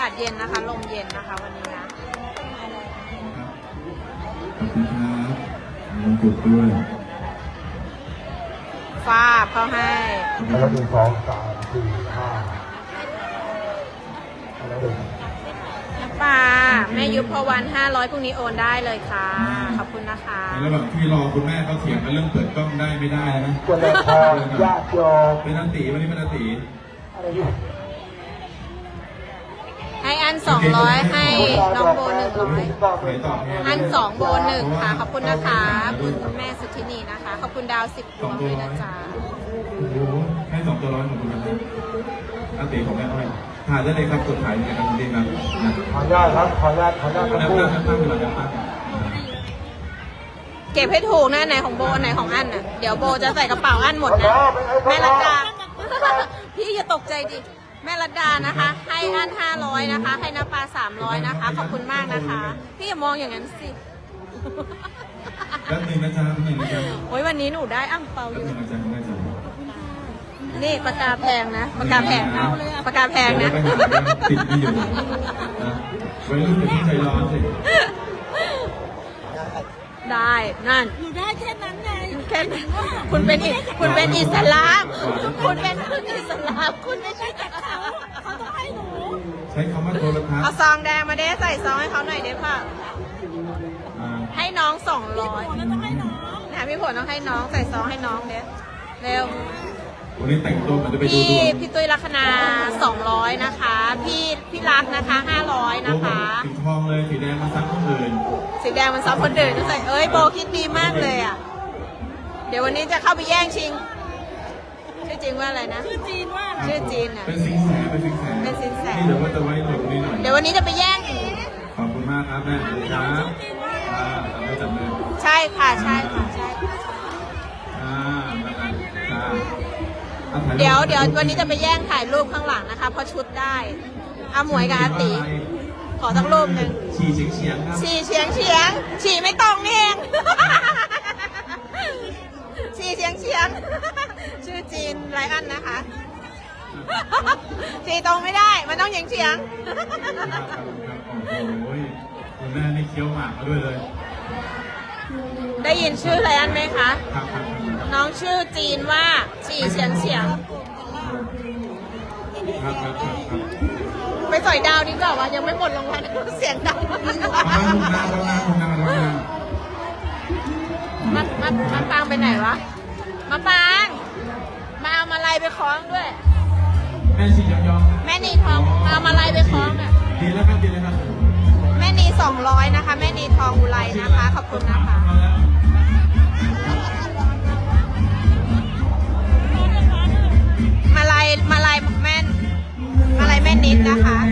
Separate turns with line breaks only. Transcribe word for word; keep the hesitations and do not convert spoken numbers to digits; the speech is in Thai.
อากาศเย็นนะคะลมเย็นนะคะวันนี้นะ
ขอบคุณครับมงกุฎด้วย
ฟ้าเขาให้
แล้วหนึ่งสองสามสี่ห้าแล้วหนึ่ง
ป้าแม่ยุพพวันห้าร้อยพรุ่งนี้โอนได้เลยค่ะขอบคุณนะคะ
แล้วแบบที่รอคุณแม่เขาเถียงกันเรื่องเปิดกล้องได้ไม่ได้นะ
คนละพอญาติโยม
เป็นนันตีวันนี้เป็นนันตี
อะไรอยู่
ให้อันสองร้อยให้น้องโบหนึ่งร้อยอันสองโบหนึ่งค่ะขอบคุณนะคะคุณแม่สุธินีนะคะขอบคุณดาวสิบดวงด้วยนะจ๊ะ
โอ้โหให้สองตัวร้อยของคุณนะครับนันตีของแม่อ้อยถ่ายได้เลยครับกดถ่ายในการดีครับ
ขออนุญาตครับขออนุญาตขออนุญาต
แล้วตั้งตั้งเวลาจะตั้ง
เก็บให้ถูกนะไหนของโบไหนของอันน่ะเดี๋ยวโบจะใส่กระเป๋าอันหมดนะแม่รัตดาพี่อย่าตกใจดิแม่รัตดานะคะให้อันห้าร้อยนะคะให้น้าปลาสามร้อยนะคะขอบคุณมากนะคะพี่อย่ามองอย่างนั้นสิ
แป๊บนึงนะจ๊ะแป๊บนึงนะจ๊ะ
โอ้ยวันนี้หนูได้อ่างเปาอยู่
แป๊บนึงนะจ๊ะแม่จ๊ะ
นี่ปากกาแพงนะปากกาแพงปากกาแพงนะ
ติดไม่อยู่นะไว้รุ่นอย่าเพิ่งใจร้อนสิ
ได้นั่น
หนูได้แค่นั้นไง
แค่คุณเป็นคุณเป็นอิสลามคุณเป็นอิสลามคุณไม่ใช่กับเขา
เขาต้องให้หนู
ใช้คำว่าโทรทัศน์
เอาซองแดงมาเด้ใส่ซองให้เขาหน่อยเด้ค่ะให้น้องสองร้อยนะพี่ผลต้องให้น้องใส่ซองให้น้องเด้เร็ว
วันนี้แต่งตัวมันจะไปดู
พี่พี่ตุ้ยลัคนาสองร้อยนะคะพี่พี่รักนะคะห้าร้อยนะคะ
สีทองเลยสีแดงมาซักคนอื่น
สีแดงมันซับคนอื่นก็ใส่เอ้ยโบคิดดีมากเลยอ่ะเดี๋ยววันนี้จะเข้าไปแย่งชิงชื่อจริงว่าอะไรนะ
ชื่อจีนว่า
ชื่อจีนอ่ะ
เป็นสิงแสเป็นสิงแส
เป็นสิงแส
ที่เดี๋ยวว่าจะไว้หลบนี่หน่อย
เดี๋ยววันนี้จะไปแย่ง
ขอบคุณมากครับแม่จ้าอ่าทำให้จับมือ
ใช่ค่ะใช่ค่ะใช่
อ่าจ้า
เดี๋ยวเดี๋ยววันนี้จะไปแย่งถ่ายรูปข้างหลังนะคะเพราะชุดได้อาหมวยกับอาติขอสักรูปหนึ่ง
ฉี่เฉียงเฉียงครับ
ฉี่เฉียงเฉียงฉี่ไม่ตรงนี่เองฉี่เฉียงเฉียงชื่อจีนไรอันนะคะฉี่ตรงไม่ได้มันต้องเฉียงเฉียง
โอ้ยคุณแม่นี่เคี้ยวหมากมาด้วยเลย
ได้ยินชื่อไรอันไหมคะน้องชื่อจีนว่าฉี่เฉียงเฉียงไปสอยดาวดีกว่าว่ายังไม่หมดรางวัลเสียงดังมามมามาปางไปไหนวะมาปางมาเอามาลัยไปคล้องด้วย
แม่ชียองยอง
แม่นีทองมาเอามาลัยไปคล้องอ่ะ
ดีแล้วครับดีแล้วครับ
แม่นีสองร้อยนะคะแม่นีทองอุไรนะคะขอบคุณนะคะมาลัยมาลัยแม่มาลัยแม่นิดนะคะ